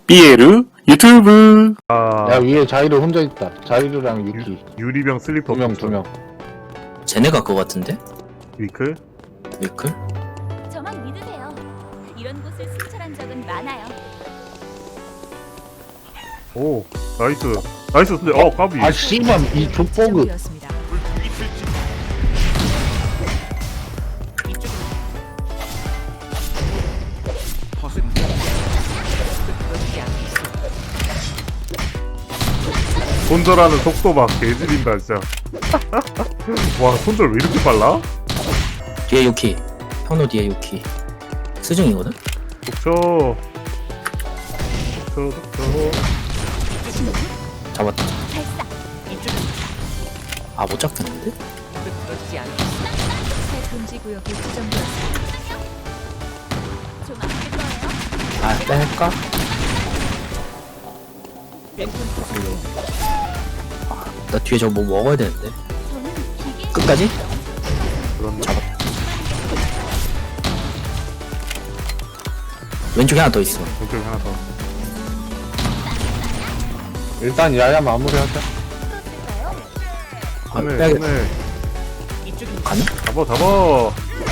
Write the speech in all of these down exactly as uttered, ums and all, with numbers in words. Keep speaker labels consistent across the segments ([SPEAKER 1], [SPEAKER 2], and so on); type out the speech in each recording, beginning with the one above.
[SPEAKER 1] 삐에르 유튜브.
[SPEAKER 2] 아,
[SPEAKER 3] 야 위에 자이로 혼자 있다. 자이로랑 유키
[SPEAKER 2] 유리병 슬리퍼
[SPEAKER 3] 두 명 두 명.
[SPEAKER 4] 쟤네가 그거 같은데?
[SPEAKER 2] 위클?
[SPEAKER 4] 위클?
[SPEAKER 5] 저만 믿으세요. 이런 곳을 순찰한 적은 많아요.
[SPEAKER 2] 오 나이스 나이스. 근데 어 까비.
[SPEAKER 3] 아 씨발 이 족보그.
[SPEAKER 2] 손절하는 속도 막 개지린다 진짜. 와 손절 왜 이렇게 빨라?
[SPEAKER 4] 뒤에 유키. 현우 뒤에 유키. 수중이거든?
[SPEAKER 2] 독초 독초 독초.
[SPEAKER 4] 잡았다.
[SPEAKER 5] 발사.
[SPEAKER 4] 아, 못 잡겠는데?
[SPEAKER 5] 새 금지 구역이 지정되었습니다. 좀 아플 거예요.
[SPEAKER 4] 아, 뺄까? 아, 나 뒤에 저거 뭐 먹어야 되는데.
[SPEAKER 5] 저는 기계
[SPEAKER 4] 끝까지?
[SPEAKER 2] 그런데
[SPEAKER 4] 잡았다. 왼쪽에 하나 더 있어.
[SPEAKER 2] 왼쪽에 하나 더.
[SPEAKER 3] 일단 야야 마무리하자.
[SPEAKER 5] 떴을까요?
[SPEAKER 4] 아,
[SPEAKER 2] 손에
[SPEAKER 4] 빼야겠다.
[SPEAKER 2] 손에
[SPEAKER 4] 가능?
[SPEAKER 2] 잡아 잡아.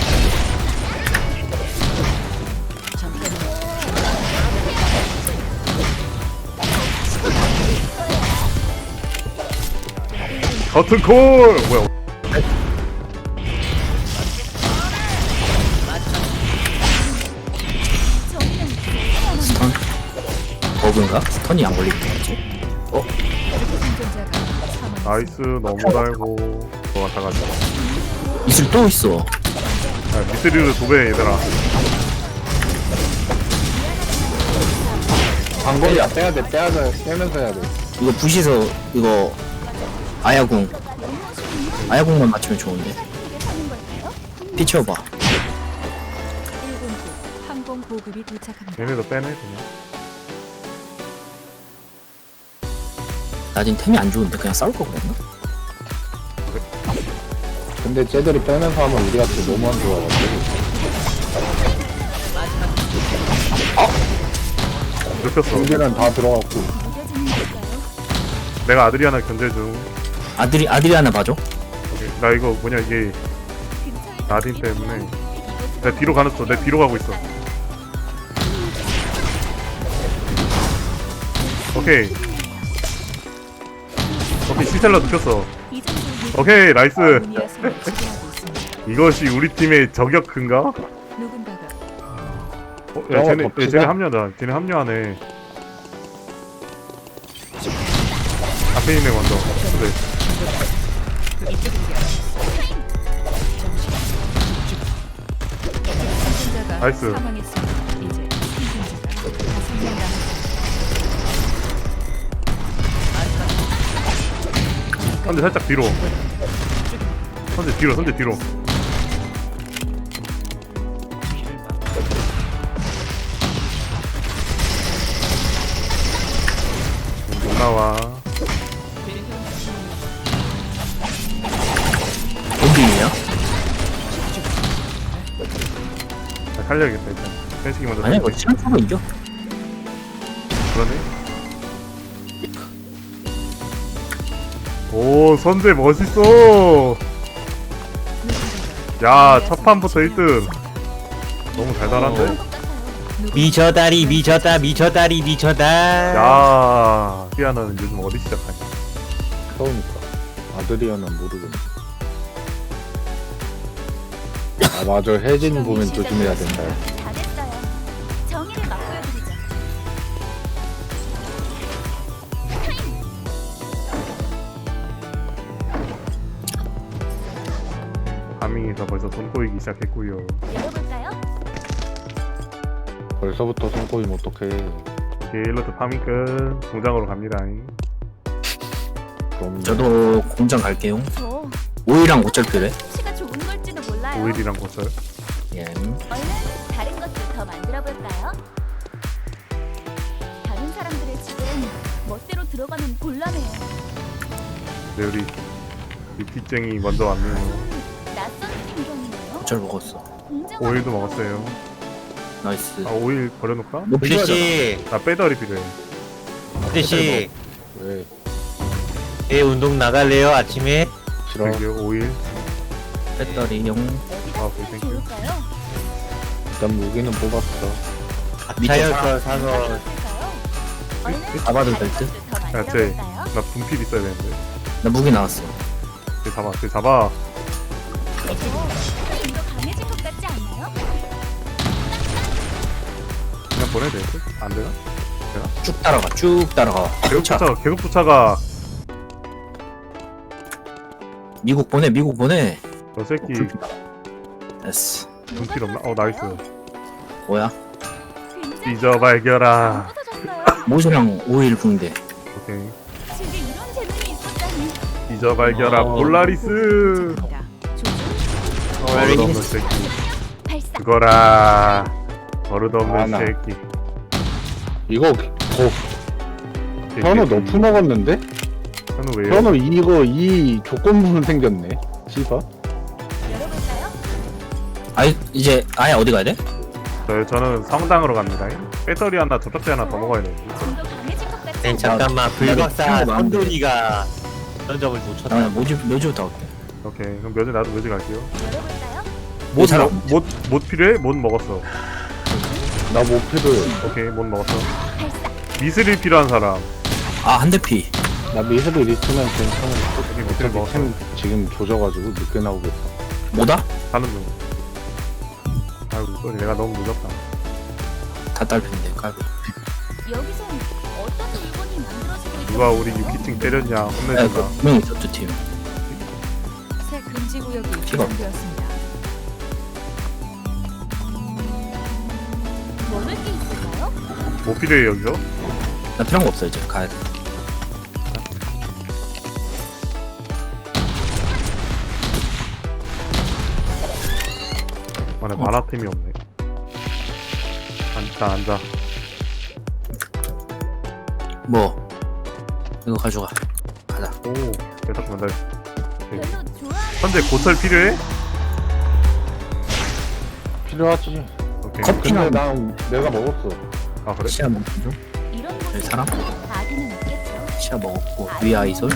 [SPEAKER 2] 커튼콜 뭐야?
[SPEAKER 5] 저희는
[SPEAKER 4] 스턴? 버그인가? 스턴이 안 걸리는 거지?
[SPEAKER 5] 생존자가 사망.
[SPEAKER 2] 나이스 너무 달고 너 같아가지고.
[SPEAKER 4] 이슬 또 있어.
[SPEAKER 2] 야, 미스리를 도배 얘들아.
[SPEAKER 3] 방거리야 빼야 돼 빼야 돼 빼면서 해야 돼.
[SPEAKER 4] 이거 부시서 이거 아야궁. 아야궁만 맞추면 좋은데.
[SPEAKER 5] 이게 사는 걸까요?
[SPEAKER 4] 피 채워봐.
[SPEAKER 5] 일본군 항공 보급이 도착합니다.
[SPEAKER 2] 얘네도 빼네 그냥.
[SPEAKER 4] 나 지금 템이 안 좋은데 그냥 싸울 거 그랬나?
[SPEAKER 3] 근데 쟤들이 빼면서 하면 우리한테 너무 안 좋아가지고.
[SPEAKER 2] 눕혔어.
[SPEAKER 3] 우리는 다 들어갔고.
[SPEAKER 5] 무뎌지는 걸까요?
[SPEAKER 2] 내가 아드리아나 견제 중.
[SPEAKER 4] 아들이 아들이 하나 봐줘.
[SPEAKER 2] 오케이. 나 이거 뭐냐 이게
[SPEAKER 5] 근처에
[SPEAKER 2] 나딘 때문에 내 뒤로 가놨어. 내 뒤로 가고 있어. 오케이. 오케이 시셀러 눕혔어.
[SPEAKER 5] 이 정도
[SPEAKER 2] 오케이 나이스.
[SPEAKER 5] 아모니아 선을 지배하고 있습니다.
[SPEAKER 2] 이것이 우리 팀의 저격근가?
[SPEAKER 5] 누군가가
[SPEAKER 2] 어, 야
[SPEAKER 3] 저거
[SPEAKER 2] 쟤네 야,
[SPEAKER 3] 덮치자.
[SPEAKER 2] 쟤네 합류하다. 쟤네 합류하네. 앞에 있네 먼저. 그래.
[SPEAKER 5] 생존자가
[SPEAKER 2] 나이스.
[SPEAKER 5] 사망했습니다. 이제 생존자가 다섯 명 남았습니다.
[SPEAKER 2] 선제 살짝 뒤로. 선제 뒤로 선제 뒤로. 못 나와.
[SPEAKER 4] 본빙이야?
[SPEAKER 2] 나 살려야겠다 일단. 펜식이 먼저.
[SPEAKER 4] 아니야 이거
[SPEAKER 2] 살릴게.
[SPEAKER 4] 시간 타고 이겨.
[SPEAKER 2] 그러네. 오 선제 멋있어. 야 첫 판부터 일 등. 너무 달달한데?
[SPEAKER 4] 미쳐다리 미쳤다 미쳐다리 미쳐다.
[SPEAKER 2] 야 피아노는 요즘 어디 시작하냐?
[SPEAKER 3] 그러니까 아드리아는 모르겠네. 아 맞아 혜진 보면 조심해야 된다.
[SPEAKER 5] 잘했어요. 정의를 맛보여드리죠.
[SPEAKER 2] 파밍에서 벌써 돈 꼬이기 시작했고요.
[SPEAKER 5] 열어볼까요?
[SPEAKER 3] 벌써부터 손 꼬이면 어떡해.
[SPEAKER 2] 게일러드 파밍 끝. 공장으로 갑니다.
[SPEAKER 3] 그럼
[SPEAKER 4] 저도 공장 갈게요.
[SPEAKER 5] 저
[SPEAKER 4] 오이랑 어쩔 필요해?
[SPEAKER 5] 솜씨가 좋은 걸지도 몰라요.
[SPEAKER 2] 오일이랑 고철.
[SPEAKER 4] 예.
[SPEAKER 5] 얼른 다른 것도 더 만들어 볼까요? 다른 사람들의 집은 멋대로 들어가면 곤란해요.
[SPEAKER 2] 네 우리 유피쟁이 먼저 왔네요.
[SPEAKER 5] 낯선 풍경이네요.
[SPEAKER 4] 어쩔 먹었어.
[SPEAKER 5] 공장
[SPEAKER 2] 오일도 먹었어요.
[SPEAKER 4] 나이스.
[SPEAKER 2] 아 오일 버려놓을까?
[SPEAKER 4] 높이
[SPEAKER 6] 씨,
[SPEAKER 2] 나 배터리 필요해.
[SPEAKER 6] 씨,
[SPEAKER 3] 왜?
[SPEAKER 6] 내 운동 나갈래요 아침에?
[SPEAKER 3] 싫어.
[SPEAKER 2] 여기 오일.
[SPEAKER 4] 배터리 용.
[SPEAKER 2] 아,
[SPEAKER 5] 어디가
[SPEAKER 2] 오케이, 땡큐.
[SPEAKER 5] 좋을까요?
[SPEAKER 3] 일단 무기는 뽑았어.
[SPEAKER 6] 자연 거 사서
[SPEAKER 4] 잡아도 될 듯?
[SPEAKER 2] 야, 쟤, 나 분필 있어야 되는데.
[SPEAKER 4] 나 무기 나왔어.
[SPEAKER 2] 쟤 잡아, 쟤 잡아.
[SPEAKER 5] 이거 강해진 것 같지 않나요?
[SPEAKER 2] 그냥 보내야 돼. 안 되나?
[SPEAKER 4] 쭉 따라가. 쭉 따라가.
[SPEAKER 2] 계속
[SPEAKER 4] 차.
[SPEAKER 2] 쫓아가, 계속 쫓아가.
[SPEAKER 4] 미국 보내. 미국 보내.
[SPEAKER 2] 저 새끼
[SPEAKER 4] 됐어.
[SPEAKER 2] 분필 없나? 어, 나이스.
[SPEAKER 4] 뭐야?
[SPEAKER 2] 잊어발겨라.
[SPEAKER 4] 모시랑 오일 붕대.
[SPEAKER 2] 오케이.
[SPEAKER 5] 제게 이런 재능이 있었다니.
[SPEAKER 2] 잊어발겨라,
[SPEAKER 4] 어.
[SPEAKER 2] 폴라리스. 버릇없는 새끼.
[SPEAKER 5] 발사.
[SPEAKER 2] 그거라. 버릇없는
[SPEAKER 3] 아, 나.
[SPEAKER 2] 새끼.
[SPEAKER 3] 이거 어, 현우 너프 먹었는데?
[SPEAKER 2] 현우 왜요?
[SPEAKER 3] 현우 이거 이 조건부는 생겼네. 씨발.
[SPEAKER 5] 열어볼까요?
[SPEAKER 4] 아이 이제 아예 어디 가야 돼?
[SPEAKER 2] 저, 저는 성당으로 갑니다. 배터리 하나, 접착제 하나 더 먹어야 돼.
[SPEAKER 5] 좀 더 강해진 것 같지
[SPEAKER 6] 네,
[SPEAKER 5] 않나요?
[SPEAKER 6] 잠깐만 불박사
[SPEAKER 4] 나도 많은데.
[SPEAKER 6] 선돈이가 그런 점을
[SPEAKER 4] 나
[SPEAKER 6] 놓쳤다.
[SPEAKER 4] 모지 모지부터 갈게.
[SPEAKER 2] 오케이. 그럼 묘지, 나도 묘지 갈게요.
[SPEAKER 5] 열어볼까요?
[SPEAKER 2] 못,
[SPEAKER 4] 사람
[SPEAKER 2] 먹, 못, 못 필요해? 못 먹었어.
[SPEAKER 3] 나 모피드.
[SPEAKER 2] 오케이, 못 먹었어.
[SPEAKER 5] 발사.
[SPEAKER 2] 미스릴 필요한 사람.
[SPEAKER 4] 아 한 대 피.
[SPEAKER 3] 나 미세도 리스면 괜찮은데.
[SPEAKER 2] 오케이, 미스릴 먹었어.
[SPEAKER 3] 템 지금 조져가지고 늦게 나오겠다.
[SPEAKER 4] 뭐다?
[SPEAKER 2] 가는 중. 아이고, 쏘리. 내가 너무 늦었다.
[SPEAKER 4] 다 딸핀데 깔고.
[SPEAKER 5] 여기선 어떤 물건이 만들어지고 있는
[SPEAKER 2] 누가 우리 유키층 때렸냐.
[SPEAKER 4] 야,
[SPEAKER 2] 혼내준다.
[SPEAKER 4] 그 분명히 있었죠 팀.
[SPEAKER 7] 새 금지 구역이
[SPEAKER 4] 피가 없네.
[SPEAKER 7] 지정되었습니다.
[SPEAKER 5] 먹을 게 있을까요?
[SPEAKER 2] 뭐 필요해, 여기서?
[SPEAKER 4] 나 필요한 거 없어 이제 가야 돼.
[SPEAKER 2] 아, 나 만화템이 없네. 앉자, 앉아.
[SPEAKER 4] 뭐 이거 가져가. 가자.
[SPEAKER 2] 오, 계속 만다.
[SPEAKER 5] 별로 좋아하는
[SPEAKER 2] 현재 고철 필요해?
[SPEAKER 3] 필요하지.
[SPEAKER 2] 오케이.
[SPEAKER 4] 커피.
[SPEAKER 3] 근데 나 내가 먹었어.
[SPEAKER 2] 아, 그래?
[SPEAKER 4] 시야 먹고
[SPEAKER 5] 이런 곳에
[SPEAKER 4] 사람?
[SPEAKER 5] 아기는 없겠죠.
[SPEAKER 4] 시야 먹었고 위 아이솔.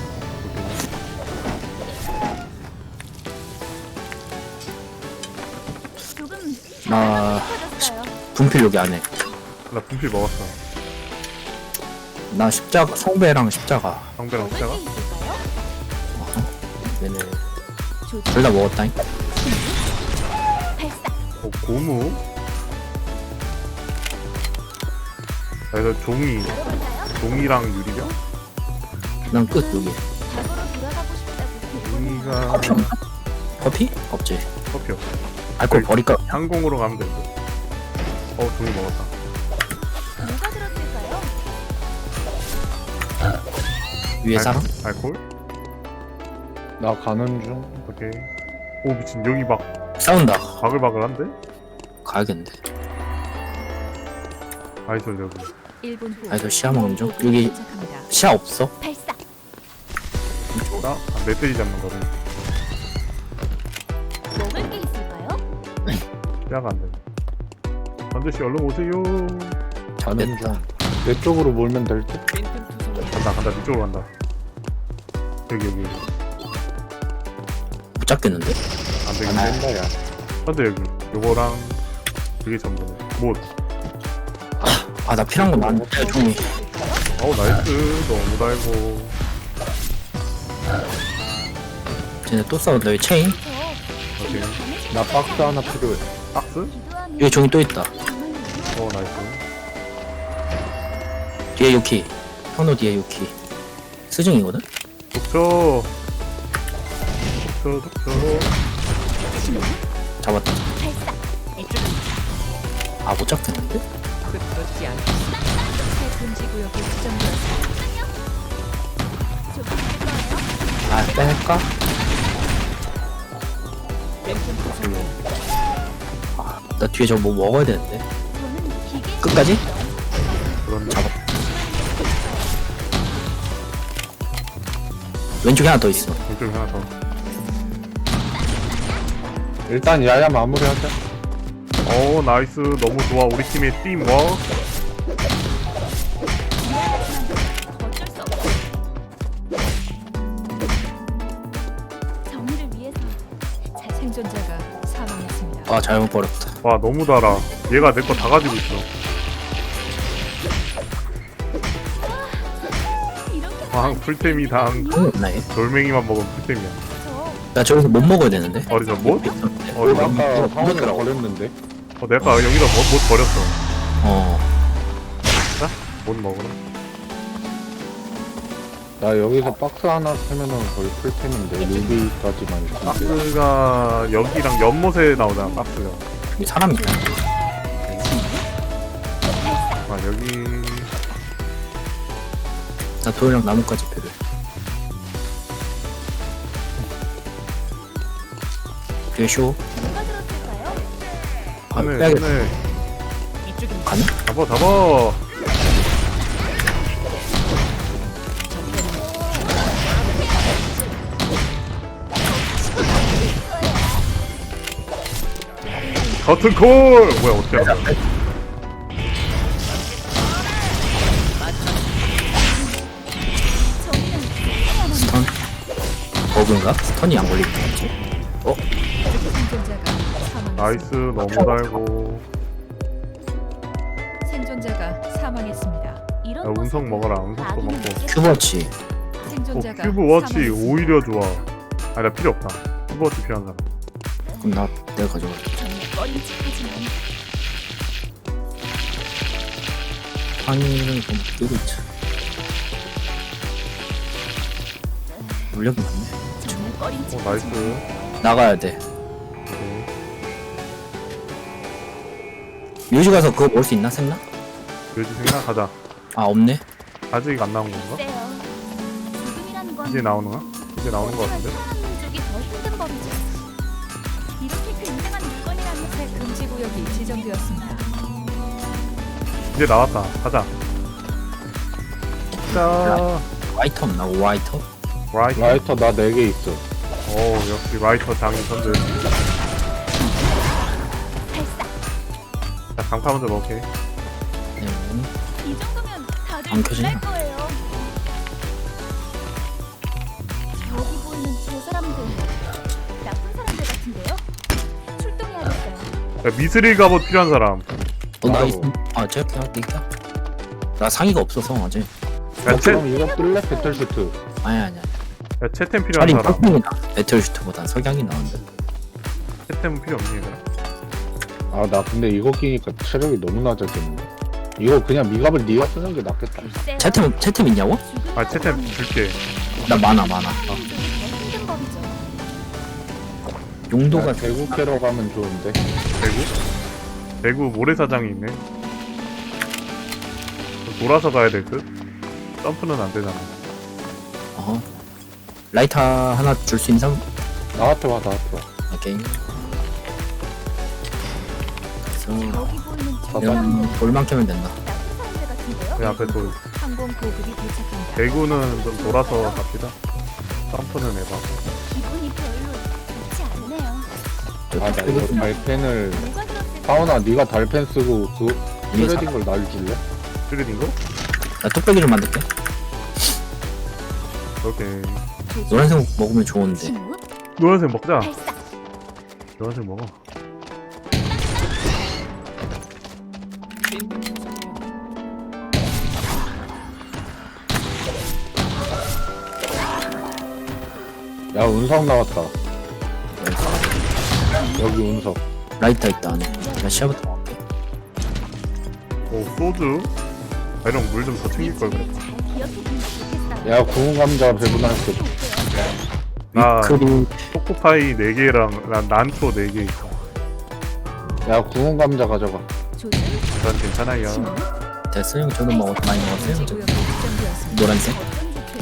[SPEAKER 5] 조금
[SPEAKER 4] 나
[SPEAKER 5] 깊어졌어요.
[SPEAKER 4] 분필 여기 안에.
[SPEAKER 2] 나 분필 먹었어.
[SPEAKER 4] 나 십자가 성배랑 십자가.
[SPEAKER 2] 성배랑
[SPEAKER 5] 먹을
[SPEAKER 2] 숫자가?
[SPEAKER 5] 게 있을까요?
[SPEAKER 4] 얘네
[SPEAKER 5] 조준.
[SPEAKER 4] 둘 다 먹었다잉.
[SPEAKER 5] 발사.
[SPEAKER 2] 어, 고무? 그래서 종이,
[SPEAKER 5] 열어볼까요?
[SPEAKER 2] 종이랑 유리병?
[SPEAKER 4] 난 끝 여기.
[SPEAKER 5] 과거로 돌아가고 싶다고
[SPEAKER 2] 종이가
[SPEAKER 4] 커피 없나? 커피? 없지.
[SPEAKER 2] 커피 없어.
[SPEAKER 4] 알코올 버릴까?
[SPEAKER 2] 항공으로 가면 되고. 어, 종이 먹었다.
[SPEAKER 5] 뭐가 들었을까요?
[SPEAKER 4] 위에 사람?
[SPEAKER 2] 알, 알콜?
[SPEAKER 3] 나 가는 중.
[SPEAKER 2] 오케이. 오, 미친. 여기 막
[SPEAKER 4] 싸운다.
[SPEAKER 2] 바글바글한데?
[SPEAKER 4] 가야겠는데.
[SPEAKER 2] 아이솔 여기.
[SPEAKER 7] 일 분 후.
[SPEAKER 4] 아이솔 시야 먹는 중. 여기
[SPEAKER 7] 도착합니다.
[SPEAKER 4] 시야 없어?
[SPEAKER 5] 발사.
[SPEAKER 2] 나? 아, 멧돼지 잡는 거를.
[SPEAKER 5] 먹을 게 있을까요?
[SPEAKER 2] 시야가 안 돼. 전재씨 얼른 오세요.
[SPEAKER 3] 가는
[SPEAKER 4] 됐다.
[SPEAKER 3] 중. 내 쪽으로 몰면 될 듯.
[SPEAKER 2] 간다, 간다. 이쪽으로 간다. 여기, 여기.
[SPEAKER 4] 못 잡겠는데?
[SPEAKER 2] 안
[SPEAKER 3] 안
[SPEAKER 2] 되겠네.
[SPEAKER 3] 된다 야.
[SPEAKER 2] 현재 여기. 요거랑 그게 전부네. 못.
[SPEAKER 4] 아 나 필요한 거 많은데 종이.
[SPEAKER 2] 어우, 나이스. 너무 달고.
[SPEAKER 4] 쟤네 또 싸운다. 여기 체인.
[SPEAKER 5] 저
[SPEAKER 2] 오케이.
[SPEAKER 5] 강해진
[SPEAKER 3] 나
[SPEAKER 5] 것
[SPEAKER 3] 박스
[SPEAKER 5] 같지
[SPEAKER 3] 하나
[SPEAKER 5] 않나요?
[SPEAKER 3] 필요해.
[SPEAKER 2] 박스?
[SPEAKER 5] 기도하면
[SPEAKER 4] 여기 종이 또 있다.
[SPEAKER 5] 정말 유효한
[SPEAKER 2] 어, 나이스.
[SPEAKER 4] 뒤에 유키. 현우 뒤에 유키. 스승이거든?
[SPEAKER 2] 독초. 독초, 독초.
[SPEAKER 4] 잡았다.
[SPEAKER 5] 발사.
[SPEAKER 4] 아 못 잡겠는데?
[SPEAKER 7] 새 금지 구역이 지정되었습니다.
[SPEAKER 5] 조금 할 거예요.
[SPEAKER 4] 아 뺄까? 아, 나 뒤에 저거 뭐 먹어야 되는데.
[SPEAKER 5] 저는 기계
[SPEAKER 4] 끝까지?
[SPEAKER 2] 그런데.
[SPEAKER 4] 잡아. 왼쪽에 하나 더 있어.
[SPEAKER 2] 이쪽에 하나 더.
[SPEAKER 3] 일단 야야 마무리하자.
[SPEAKER 2] 오 나이스 너무 좋아 우리 팀의 팀워크.
[SPEAKER 5] 어쩔 수 없어. 정의를 위해서 잘
[SPEAKER 7] 생존자가 사망했습니다.
[SPEAKER 4] 아 잘못 버렸다.
[SPEAKER 2] 와 너무 달아. 얘가 내 거 다 가지고 있어.
[SPEAKER 5] 이렇게
[SPEAKER 2] 아 풀템이 당.
[SPEAKER 4] 어, 없나 얘?
[SPEAKER 2] 돌멩이만 먹으면 풀템이야.
[SPEAKER 5] 저
[SPEAKER 4] 나 저기서 못 먹어야 되는데.
[SPEAKER 2] 어디서 뭐?
[SPEAKER 4] 어,
[SPEAKER 2] 어디서?
[SPEAKER 3] 아까 사원을
[SPEAKER 4] 먹더라고.
[SPEAKER 3] 버렸는데.
[SPEAKER 2] 어 내가 여기다 못, 못 버렸어.
[SPEAKER 4] 어.
[SPEAKER 2] 자, 못 먹으라.
[SPEAKER 3] 나 여기서 박스 하나 세면은 거의 풀템인데 루비까지만 있으면 돼.
[SPEAKER 2] 박스가 여기랑 연못에 나오잖아 박스가.
[SPEAKER 4] 여기 사람 있다.
[SPEAKER 2] 아 여기
[SPEAKER 4] 나 도이랑 나뭇가지 필요해. 뒤에 쇼.
[SPEAKER 5] 누가 들었을까요?
[SPEAKER 4] 아,
[SPEAKER 2] 안에
[SPEAKER 4] 빼야겠다.
[SPEAKER 2] 안에
[SPEAKER 4] 가능?
[SPEAKER 2] 잡아 잡아. 커튼콜! 뭐야 어떻게 하는 거야?
[SPEAKER 4] 스턴. 버그인가? 스턴이 안 걸리는 거지?
[SPEAKER 7] 생존자가 사망했습니다.
[SPEAKER 2] 나이스 너무 달고.
[SPEAKER 7] 생존자가 사망했습니다.
[SPEAKER 5] 이런
[SPEAKER 2] 야, 운석
[SPEAKER 5] 곳은
[SPEAKER 2] 먹어라. 운석도
[SPEAKER 5] 아기는
[SPEAKER 2] 먹고.
[SPEAKER 5] 먹겠다.
[SPEAKER 4] 큐버치.
[SPEAKER 2] 어,
[SPEAKER 7] 생존자가
[SPEAKER 2] 큐브 워치
[SPEAKER 7] 사망했습니다.
[SPEAKER 2] 오히려 좋아. 아니 나 필요 없다. 큐브 워치 필요한 사람.
[SPEAKER 4] 그럼 나 내가 가져갈게.
[SPEAKER 5] 정말 꺼림칙하지만
[SPEAKER 4] 황이를 좀 끼고 있자. 물력이 많네.
[SPEAKER 5] 정말
[SPEAKER 2] 어
[SPEAKER 5] 꺼림칙하지만
[SPEAKER 2] 나이스.
[SPEAKER 4] 나가야 돼.
[SPEAKER 2] 오케이.
[SPEAKER 4] 뮤지 가서 그거 먹을 수 있나? 샜나?
[SPEAKER 2] 요지 생각 가자.
[SPEAKER 4] 아 없네.
[SPEAKER 2] 아직 안 나온 건가?
[SPEAKER 5] 세요. 죽음이란 건
[SPEAKER 2] 이제 나오는가? 이제 나오는 거 같은데?
[SPEAKER 5] 살아남는 쪽이 더 힘든 법이죠. 이렇게 굉장한 물건이라면
[SPEAKER 7] 새 금지 구역이 지정되었습니다.
[SPEAKER 2] 이제 나왔다. 가자. 자,
[SPEAKER 4] 와이터 없나? 와이터?
[SPEAKER 2] 라이터.
[SPEAKER 3] 라이터 나 네 개 있어.
[SPEAKER 2] 오 역시 라이터 장인 선들. 자 강파 먼저 먹게.
[SPEAKER 4] 네.
[SPEAKER 5] 이 정도면 다들
[SPEAKER 4] 안 켜지나?
[SPEAKER 5] 놀랄 거예요. 여기 보이는 저 사람들 나쁜 사람들 같은데요? 출동해야겠어요.
[SPEAKER 2] 야, 미스릴 갑옷 필요한 사람.
[SPEAKER 4] 어, 나
[SPEAKER 3] 나도.
[SPEAKER 4] 있, 아, 제가 할게, 있다. 나 상의가 없어서, 어제.
[SPEAKER 2] 야, 채,
[SPEAKER 3] 그럼 이거 끌래? 배틀슈트.
[SPEAKER 2] 야
[SPEAKER 4] 아니, 아니야.
[SPEAKER 2] 채템 필요한
[SPEAKER 4] 차라리
[SPEAKER 2] 사람.
[SPEAKER 4] 폭풍이다. 배틀슈트보단 석양이 나오는데.
[SPEAKER 2] 채템은 필요 없니 얘들아?
[SPEAKER 3] 아 나 근데 이거 끼니까 체력이 너무 낮아졌네. 이거 그냥 미갑을 네가 쓰는 게 낫겠다.
[SPEAKER 5] 글쎄요.
[SPEAKER 4] 채템, 채템 있냐고?
[SPEAKER 5] 죽음이란
[SPEAKER 2] 아 채템
[SPEAKER 5] 건
[SPEAKER 2] 줄게.
[SPEAKER 4] 나 많아, 많아.
[SPEAKER 5] 살아남는 쪽이 더 힘든 법이죠.
[SPEAKER 4] 용도가
[SPEAKER 3] 나 대구 캐러 가면 좋은데.
[SPEAKER 2] 대구? 대구 모래사장이 있네. 돌아서 가야 될 듯? 점프는 안 되잖아.
[SPEAKER 4] 어. 라이터 하나 줄 수 있는 사람?
[SPEAKER 3] 나한테 와 나한테 와.
[SPEAKER 4] 오케이. 그래서,
[SPEAKER 5] 여기 보이는 저
[SPEAKER 3] 봐봐.
[SPEAKER 5] 사람들
[SPEAKER 4] 돌만 캐면 된다.
[SPEAKER 5] 나쁜 사람들 같은데요?
[SPEAKER 2] 그 앞에 돌.
[SPEAKER 7] 항공 보급이 도착합니다.
[SPEAKER 2] 대구는 좀 돌아서 갑시다. 점프는 해봐.
[SPEAKER 5] 기분이 별로 좋지 않네요.
[SPEAKER 3] 아 나 이거 달펜을.
[SPEAKER 5] 누가 들었을까?
[SPEAKER 3] 사원아 네가 달펜 쓰고 그
[SPEAKER 4] 이게
[SPEAKER 3] 트레딩 걸 날 줄래?
[SPEAKER 2] 찌르는 거?
[SPEAKER 4] 나 뚝배기 좀 만들게.
[SPEAKER 2] 오케이.
[SPEAKER 4] 노란색 먹으면 좋은데.
[SPEAKER 5] 침묵,
[SPEAKER 2] 노란색 먹자.
[SPEAKER 5] 발사.
[SPEAKER 2] 노란색 먹어.
[SPEAKER 3] 야 운석 나왔다. 여기 운석.
[SPEAKER 4] 라이터 있다, 안에. 나 시야부터 먹을게.
[SPEAKER 2] 오 소주? 아, 이런 물 좀 더 챙길 걸 그랬다.
[SPEAKER 5] 잘 기억해두면 좋겠어요.
[SPEAKER 3] 야 구운 감자 배분할 수.
[SPEAKER 2] 나
[SPEAKER 4] 위크리,
[SPEAKER 2] 초코파이 네 개랑 난 난초 네 개 있어.
[SPEAKER 3] 야 구운 감자 가져가.
[SPEAKER 5] 조준,
[SPEAKER 2] 전 괜찮아요.
[SPEAKER 5] 침묵,
[SPEAKER 4] 됐어, 형. 저도 먹었, 많이 먹었어요.
[SPEAKER 7] 금지
[SPEAKER 4] 저.
[SPEAKER 7] 구역이 지정되었습니다.
[SPEAKER 4] 노란색?
[SPEAKER 5] 어쩐지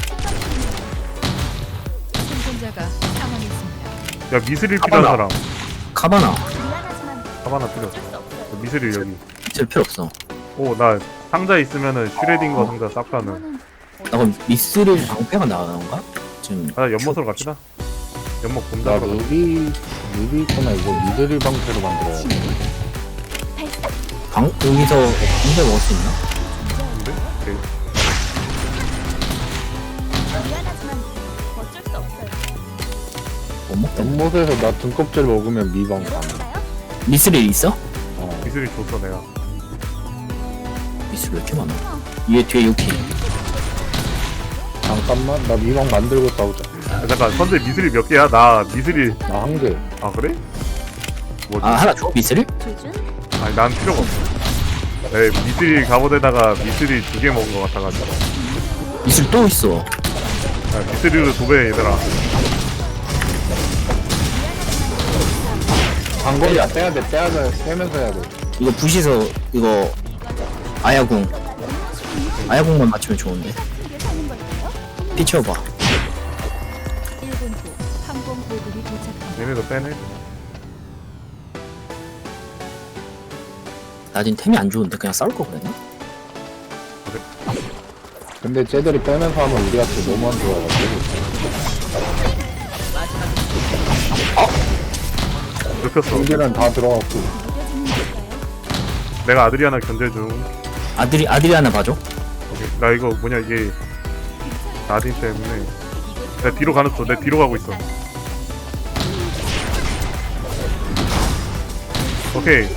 [SPEAKER 5] 대책까지
[SPEAKER 7] 생존자가 사망했습니다.
[SPEAKER 2] 야 미스릴 필요한
[SPEAKER 4] 가봐라.
[SPEAKER 2] 사람.
[SPEAKER 4] 카바나.
[SPEAKER 5] 미안하지만
[SPEAKER 2] 하나 필요 없어.
[SPEAKER 5] 어쩔 수 없어요.
[SPEAKER 2] 미스릴 여기.
[SPEAKER 4] 쓸 필요 없어.
[SPEAKER 2] 오 나 상자 있으면은 슈레딩거 상자 싹 가는.
[SPEAKER 5] 이거는
[SPEAKER 4] 나 그럼 미스릴 방패가 나오는가? 지금.
[SPEAKER 2] 아 연못으로 갑시다. 연못
[SPEAKER 3] 나
[SPEAKER 2] 곰장으로.
[SPEAKER 3] 루비 루비 있구나. 이거 미드릴 방패로 만들어야 돼.
[SPEAKER 5] 침묵,
[SPEAKER 4] 방 여기서 공대 먹을 수 있나?
[SPEAKER 2] 근데? 오케이.
[SPEAKER 5] 미안하지만 어쩔 수 없어요.
[SPEAKER 4] 못 먹겠네.
[SPEAKER 3] 연못에서 나 등껍질 먹으면 미방 가.
[SPEAKER 5] 열어볼까요?
[SPEAKER 4] 미스릴 있어?
[SPEAKER 3] 어.
[SPEAKER 2] 미술이 줬어 내가.
[SPEAKER 4] 미스릴 왜 이렇게 많아? 얘 뒤에 유키.
[SPEAKER 3] 잠깐만 나 미방 만들고 싸우자.
[SPEAKER 2] 아, 잠깐 선재 미술이 몇 개야? 나 미술이
[SPEAKER 3] 나 한 개.
[SPEAKER 2] 아 그래? 뭐지?
[SPEAKER 4] 아 하나 줘 미스릴?
[SPEAKER 5] 조준.
[SPEAKER 2] 아니 난 필요가 없어. 네 미술이 갑옷에다가 미술이 두 개 먹은 것 같아가지고.
[SPEAKER 4] 미스릴 또 있어.
[SPEAKER 2] 아, 미술이로 도배 얘들아.
[SPEAKER 3] 방거리야 떼야 돼 떼야 돼 떼면서 해야 돼.
[SPEAKER 4] 이거 부시서 이거 아야궁. 아야궁만 맞추면 좋은데.
[SPEAKER 5] 크게 사는 걸까요?
[SPEAKER 4] 피치워봐.
[SPEAKER 7] 일 분 후 항공 보급이 도착합니다.
[SPEAKER 2] 얘네도 빼네.
[SPEAKER 4] 나 지금 템이 안 좋은데 그냥 싸울 거 그랬나?
[SPEAKER 3] 근데 쟤들이 빼면서 하면 우리한테 너무 안 좋아가지고.
[SPEAKER 2] 눕혔어.
[SPEAKER 3] 경기는 다 들어갔고.
[SPEAKER 5] 느껴지는 걸까요?
[SPEAKER 2] 내가 아드리아나 견제 중.
[SPEAKER 4] 아들이 아들이 하나 봐줘.
[SPEAKER 2] 오케이. 나 이거 뭐냐 이게 나딘 때문에 내 뒤로 가는 거. 내 뒤로 가고 있어. 오케이.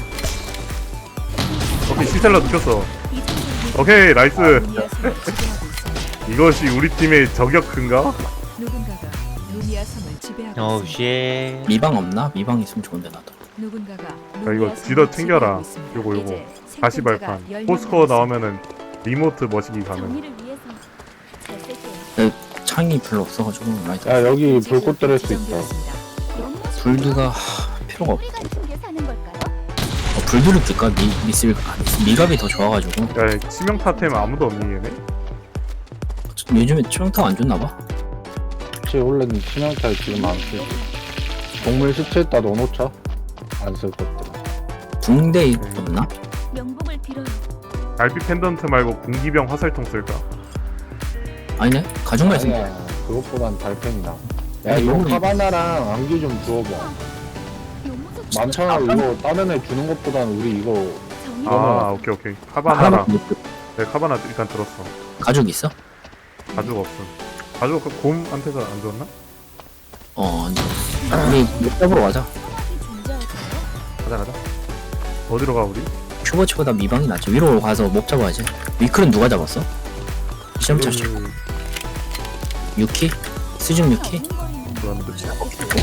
[SPEAKER 2] 오케이 시셀러 눕혔어. 오케이 나이스.
[SPEAKER 7] 루미아 섬을 지배하고 있습니다.
[SPEAKER 2] 이것이 우리 팀의 저격근가?
[SPEAKER 7] 누군가가 루미아 섬을 지배하고
[SPEAKER 6] 오
[SPEAKER 7] 있습니다.
[SPEAKER 6] 쉣.
[SPEAKER 4] 미방 없나? 미방 있으면 좋은데 나도.
[SPEAKER 7] 누군가가
[SPEAKER 2] 야
[SPEAKER 7] 루미아
[SPEAKER 2] 이거
[SPEAKER 7] 섬을
[SPEAKER 2] 지더 챙겨라.
[SPEAKER 7] 지배하고 있습니다.
[SPEAKER 2] 요거 요거.
[SPEAKER 7] 이제
[SPEAKER 2] 다시
[SPEAKER 7] 생존자가
[SPEAKER 2] 발판.
[SPEAKER 7] 열
[SPEAKER 2] 포스코어
[SPEAKER 7] 명
[SPEAKER 2] 나오면은 리모트 머시기 가능.
[SPEAKER 5] 정의를 위해서 잘 쓸게요.
[SPEAKER 4] 창이 별로 없어가지고 라이트.
[SPEAKER 3] 야 여기
[SPEAKER 7] 남았습니다.
[SPEAKER 3] 불꽃 들을 수 있다.
[SPEAKER 7] 지정되었습니다.
[SPEAKER 4] 불드가 하, 필요가 없.
[SPEAKER 5] 우리 같은 게 사는 걸까요?
[SPEAKER 4] 어, 불드를 줄까? 미 미슬 아, 미스- 미갑이 더 좋아가지고
[SPEAKER 2] 야 치명타템 아무도 없니 얘네?
[SPEAKER 4] 요즘에 치명타 안 좋나 봐.
[SPEAKER 3] 혹시 원래는 치명타에 지금 안 쓰지. 동물 시체에다 넣어놓자. 안 쓸 것들.
[SPEAKER 4] 붕대 없나?
[SPEAKER 5] 명복을 빌어요.
[SPEAKER 2] 알피 펜던트 말고 군기병 화살통 쓸까?
[SPEAKER 4] 아니네. 가죽만 있으면
[SPEAKER 3] 아니야 그것보단 달팽이나. 야
[SPEAKER 4] 아니,
[SPEAKER 3] 이거
[SPEAKER 4] 너무
[SPEAKER 3] 카바나랑 안기 좀 주워봐.
[SPEAKER 5] 요무소
[SPEAKER 3] 많잖아 이거 다른 애 주는 것보단 우리 이거
[SPEAKER 5] 정의.
[SPEAKER 2] 아 오케이 오케이. 카바나랑
[SPEAKER 4] 하나밖에 못 줘.
[SPEAKER 2] 네 카바나 일단 들었어.
[SPEAKER 4] 가죽 있어?
[SPEAKER 2] 가죽 없음. 가죽 그 곰한테서 안 줬나?
[SPEAKER 4] 어, 안 줘. 우리 목 잡으러 가자.
[SPEAKER 5] 소각이 존재할까요?
[SPEAKER 2] 가자 가자. 어디로 가 우리?
[SPEAKER 4] 큐버치보다 미방이 낫지. 위로 가서 목 잡아야지. 위클은 누가 잡았어? 시험 쳤어.
[SPEAKER 2] 그,
[SPEAKER 4] 유키? 수중 유키?
[SPEAKER 5] 어린거리는
[SPEAKER 2] 그런데
[SPEAKER 5] 미안하지만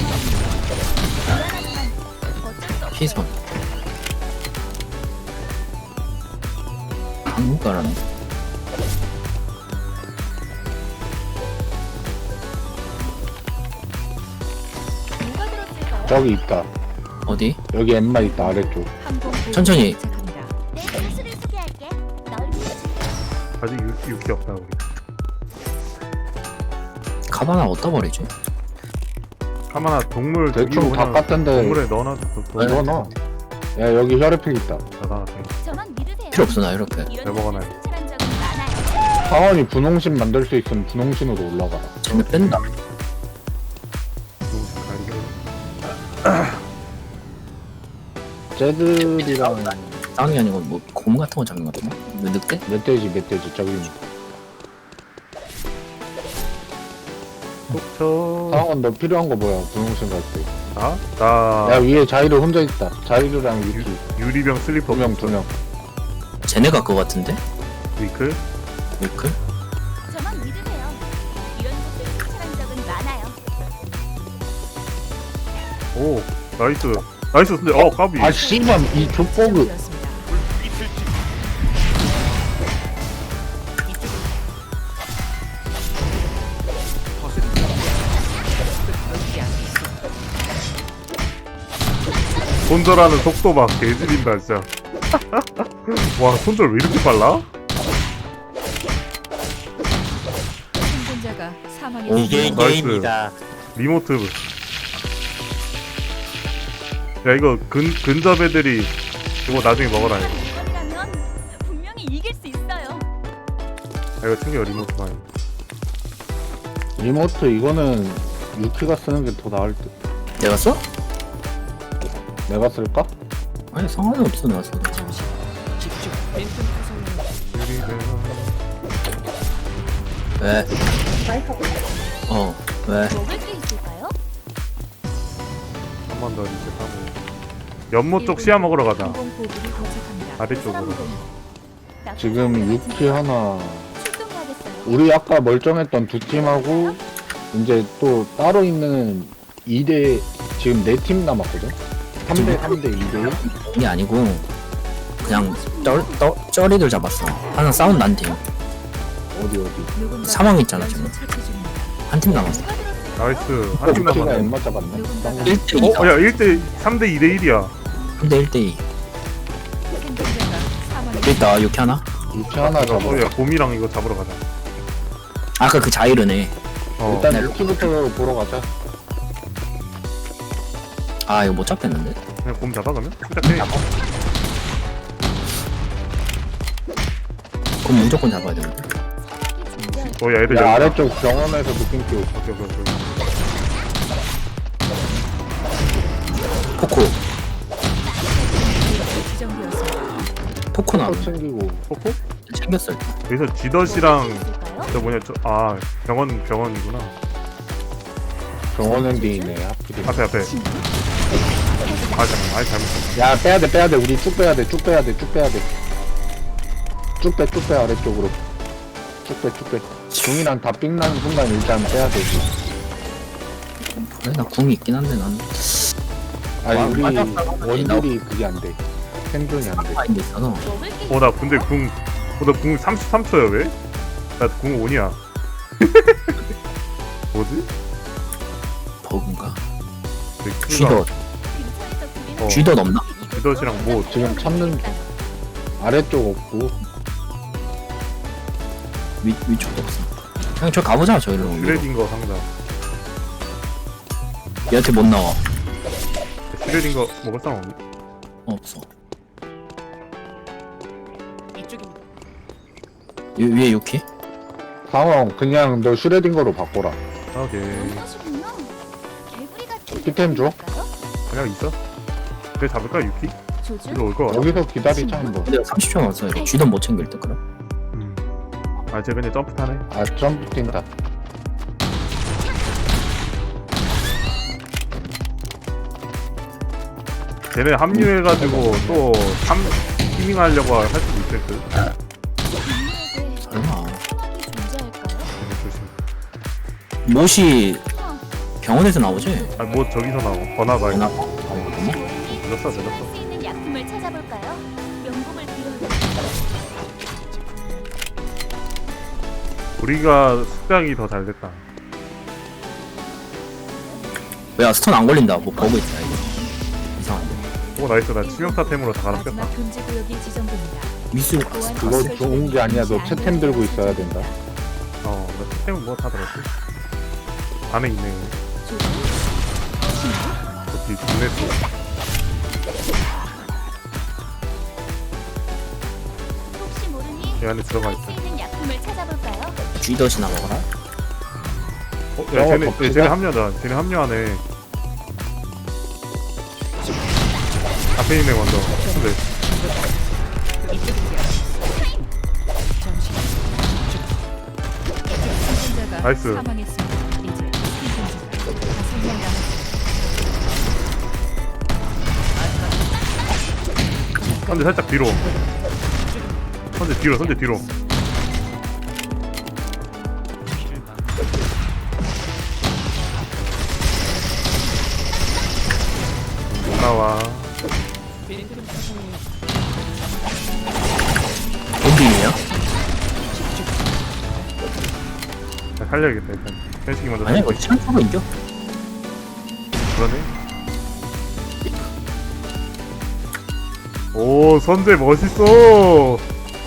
[SPEAKER 5] 어쩔 수 없어요.
[SPEAKER 4] 피선. 한국가라네.
[SPEAKER 5] 누가 들었을까요?
[SPEAKER 3] 저기 있다.
[SPEAKER 4] 어디?
[SPEAKER 3] 여기 엠마 있다 아래쪽.
[SPEAKER 7] 항공 보급이
[SPEAKER 4] 천천히.
[SPEAKER 7] 도착합니다.
[SPEAKER 5] 내 선수를 소개할게. 널 위해
[SPEAKER 2] 아직 유, 육기 없다 우리.
[SPEAKER 4] 카바나 어디다 버리지?
[SPEAKER 2] 카바나 동물
[SPEAKER 3] 대충
[SPEAKER 2] 저기로
[SPEAKER 3] 다
[SPEAKER 2] 그냥
[SPEAKER 3] 깠던데
[SPEAKER 2] 동물에 넣어놔. 도-
[SPEAKER 3] 넣어 넣어. 야 여기 혈액필 있다.
[SPEAKER 2] 나가 돼.
[SPEAKER 5] 저만 믿으세요.
[SPEAKER 4] 필요 없어 나 이렇게.
[SPEAKER 5] 이런
[SPEAKER 2] 내 먹어놔요.
[SPEAKER 5] 곳에 승천한 적은 많아요.
[SPEAKER 3] 상원이 분홍신 만들 수 있으면 분홍신으로 올라가라.
[SPEAKER 4] 쟤네 뺀다.
[SPEAKER 3] 쟤들이랑
[SPEAKER 4] 싸우는 게 아니고 뭐 곰 같은 거 잡는 거 같은데? 뭐 늑대?
[SPEAKER 3] 멧돼지 멧돼지 저기
[SPEAKER 2] 속초.
[SPEAKER 3] 상원 너 필요한 거 뭐야 분홍신 갈 때.
[SPEAKER 2] 나? 나
[SPEAKER 3] 야 위에 자이르 혼자 있다. 자이르랑
[SPEAKER 2] 유,
[SPEAKER 3] 유키
[SPEAKER 2] 유리병 슬리퍼
[SPEAKER 3] 두 명 두 명.
[SPEAKER 4] 쟤네가 그거 같은데?
[SPEAKER 2] 위클.
[SPEAKER 4] 위클?
[SPEAKER 5] 저만 믿으세요. 이런 곳에 승천한 적은 많아요.
[SPEAKER 2] 오 나이스. 나이스 근데 어 까비.
[SPEAKER 3] 아 씨발 이 족보그.
[SPEAKER 7] 지정되었습니다.
[SPEAKER 2] 손절하는 속도 막 개지린다 진짜. 와 손절 왜 이렇게 빨라?
[SPEAKER 7] 생존자가
[SPEAKER 4] 오,
[SPEAKER 7] 사망했습니다.
[SPEAKER 6] 이게
[SPEAKER 2] 나이스.
[SPEAKER 6] 게임이다.
[SPEAKER 2] 리모트. 야 이거 근 근접 애들이 이거 나중에 먹어라 이거.
[SPEAKER 5] 이번이라면 분명히 이길 수 있어요.
[SPEAKER 2] 야, 이거 챙겨 리모트 많이.
[SPEAKER 3] 리모트 이거는 유키가 쓰는 게 더 나을 듯.
[SPEAKER 4] 내가 써?
[SPEAKER 3] 내가 쓸까?
[SPEAKER 4] 아니 상관이 없어 내가 써도. 왜? 어 왜?
[SPEAKER 5] 먹을 게 있을까요?
[SPEAKER 2] 한 번 더 리셋하고. 연못 쪽 씨앗 먹으러 가자.
[SPEAKER 7] 항공 보급이 도착합니다.
[SPEAKER 2] 아래쪽으로.
[SPEAKER 3] 지금 유키 하나
[SPEAKER 5] 출동해야겠어요.
[SPEAKER 3] 우리 아까 멀쩡했던 두 팀하고 이제 또 따로 있는 이 대 지금 네 팀 남았거든. 삼 대 삼 대 이 대 일.
[SPEAKER 4] 이게 아니고 그냥 쩔, 쩔, 쩔이들 잡았어. 하나 싸운 난 팀.
[SPEAKER 3] 어디 어디.
[SPEAKER 7] 누군가
[SPEAKER 4] 사망 있잖아, 지금.
[SPEAKER 7] 처치 중입니다.
[SPEAKER 4] 한 팀 남았어.
[SPEAKER 2] 나이스. 한 팀
[SPEAKER 3] 유키가
[SPEAKER 2] 남았네.
[SPEAKER 3] 엠마 잡았네. 쌍-
[SPEAKER 4] 일 대
[SPEAKER 2] 어,
[SPEAKER 4] 이다.
[SPEAKER 2] 야, 일 대 삼 대 이 대 일이야.
[SPEAKER 4] 일 대 일 대 이.
[SPEAKER 7] 생존자가 사망했습니다.
[SPEAKER 4] 여기 있다. 이렇게 하나?
[SPEAKER 3] 유키 하나 잡아.
[SPEAKER 2] 어, 야, 곰이랑 이거 잡으러 가자.
[SPEAKER 4] 아까 그 자이르네.
[SPEAKER 2] 어.
[SPEAKER 3] 일단 유키부터 보러 가자.
[SPEAKER 4] 아 이거 못 잡겠는데?
[SPEAKER 2] 그냥 곰 잡아 그러면? 시작해.
[SPEAKER 4] 그럼 무조건 잡아야 되는데.
[SPEAKER 5] 사막이 존재할
[SPEAKER 2] 어, 야, 애들
[SPEAKER 3] 야,
[SPEAKER 2] 여기
[SPEAKER 3] 아래쪽 병원에서 느낌 끼고.
[SPEAKER 2] 오케이, 오케이, 오케이.
[SPEAKER 4] 포코.
[SPEAKER 7] 지정되었습니다.
[SPEAKER 4] 포코 나오네.
[SPEAKER 3] 또 챙기고.
[SPEAKER 2] 포코?
[SPEAKER 4] 챙겼어 일단.
[SPEAKER 2] 여기서 지더시랑
[SPEAKER 5] 있을까요?
[SPEAKER 2] 저 뭐냐, 저, 아, 병원, 병원이구나.
[SPEAKER 3] 병원 엔딩이네 하필이.
[SPEAKER 2] 앞에, 앞에. 아, 잠깐, 아, 잘못했어.
[SPEAKER 3] 야 빼야돼 빼야돼 우리 쭉 빼야돼 쭉 빼야돼 쭉 빼야돼. 쭉 빼 쭉 빼 아래쪽으로. 쭉 빼 쭉 빼. 중이랑 다 삥 나는 순간 일단 빼야 되지.
[SPEAKER 4] 그래 나 궁이 있긴 한데 난
[SPEAKER 3] 아니
[SPEAKER 4] 와,
[SPEAKER 3] 우리
[SPEAKER 4] 맞았다.
[SPEAKER 3] 원딜이 그게 안 돼. 생존이 안 돼.
[SPEAKER 4] 마인드 있어서
[SPEAKER 5] 먹을 게
[SPEAKER 2] 어, 나 근데 궁, 어, 나궁 삼십삼 초야, 왜? 나 궁 온이야. 뭐지?
[SPEAKER 4] 버그인가?
[SPEAKER 2] 되게 크다.
[SPEAKER 4] 쥐덧.
[SPEAKER 5] 근처에서 부리는
[SPEAKER 2] 어.
[SPEAKER 4] 쥐덧 없나?
[SPEAKER 2] 지더시랑 뭐,
[SPEAKER 3] 지금 찾는 아래쪽 없고.
[SPEAKER 4] 위, 위쪽도 없어. 그냥 저 가보자 저기로.
[SPEAKER 2] 슈레딩거 상자.
[SPEAKER 4] 얘한테 못 나와.
[SPEAKER 2] 슈레딩거 먹을 사람 없니?
[SPEAKER 4] 어, 없어. 위, 위에 유키?
[SPEAKER 3] 상황 그냥 너 슈레딩거로 바꿔라.
[SPEAKER 2] 오케이.
[SPEAKER 5] 하시군요. 개구리 같은
[SPEAKER 3] 피템 줘?
[SPEAKER 5] 느낌일까요?
[SPEAKER 2] 그냥 있어? 그래, 잡을까, 유키?
[SPEAKER 5] 조준?
[SPEAKER 2] 이리 올 거 같아.
[SPEAKER 3] 여기서 기다리자 한번.
[SPEAKER 4] 근데 삼십 초 남았어. 이거 쥐덧 못 챙길 때 그럼.
[SPEAKER 2] 음. 아, 쟤 그냥 점프 타네.
[SPEAKER 3] 아 점프 뛴다.
[SPEAKER 2] 쟤네 합류해가지고 또 삼, 티밍 하려고 할 수도 있을 듯.
[SPEAKER 5] 인류에게
[SPEAKER 4] 설마.
[SPEAKER 5] 사막이 존재할까요?
[SPEAKER 2] 쟤네 조심.
[SPEAKER 4] 못이 병원에서 나오지?
[SPEAKER 2] 아, 뭐 저기서 나오. 번화가
[SPEAKER 4] 나
[SPEAKER 2] 이거.
[SPEAKER 4] 어, 그러네?
[SPEAKER 2] 늦었어, 늦었어.
[SPEAKER 5] 쓸 수 있는 약품을 찾아볼까요? 명복을 빌어요.
[SPEAKER 2] 우리가 숙장이 더 잘 됐다.
[SPEAKER 4] 야 스톤 안 걸린다. 뭐 버그 있다 이거. 이상한데.
[SPEAKER 2] 오, 나이스. 나 치명타템으로 다 갈아 뺐다.
[SPEAKER 7] 마지막 금지 구역이 지정됩니다.
[SPEAKER 4] 미술
[SPEAKER 3] 그거 좋은 게 아니야. 너 채템 들고 있어야 된다.
[SPEAKER 2] 어, 나 템은 뭐 다 들었지? 안에 있네.
[SPEAKER 5] 조준?
[SPEAKER 2] 저기 눈에 또.
[SPEAKER 5] 혹시 모르니
[SPEAKER 2] 이 안에 들어가
[SPEAKER 5] 쓸 수
[SPEAKER 2] 있다.
[SPEAKER 5] 있는 약품을 찾아볼까요?
[SPEAKER 4] 쥐덧이나 먹어라.
[SPEAKER 2] 어, 야,
[SPEAKER 3] 어,
[SPEAKER 2] 쟤네,
[SPEAKER 3] 덥지다.
[SPEAKER 2] 쟤네 합류하자. 쟤네 합류하네. 앞에 있네, 먼저. 근데,
[SPEAKER 7] 생존자가
[SPEAKER 2] 나이스.
[SPEAKER 7] 사망했습니다. 이제 생존자가 다섯 명 남았습니다.
[SPEAKER 2] 선제 살짝 뒤로. 선제 뒤로, 선제 뒤로. 못 나와.
[SPEAKER 4] 엔딩이야?
[SPEAKER 2] 나 살려야겠다, 일단. 현식이 먼저
[SPEAKER 4] 아니야
[SPEAKER 2] 살려.
[SPEAKER 4] 이거 시간 초로 이겨.
[SPEAKER 2] 그러네. 오, 선제 멋있어.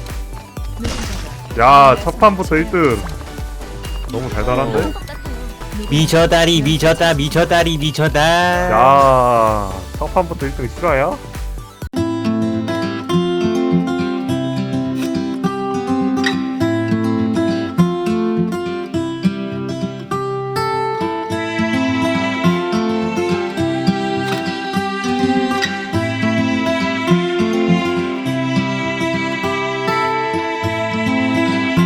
[SPEAKER 2] 야, 첫 판부터 일 등. 너무 달달한데?
[SPEAKER 5] 것 같아요.
[SPEAKER 6] 미쳐다리 미쳤다 미쳐다리 미쳐다.
[SPEAKER 2] 야, 첫 판부터 일 등 실화야?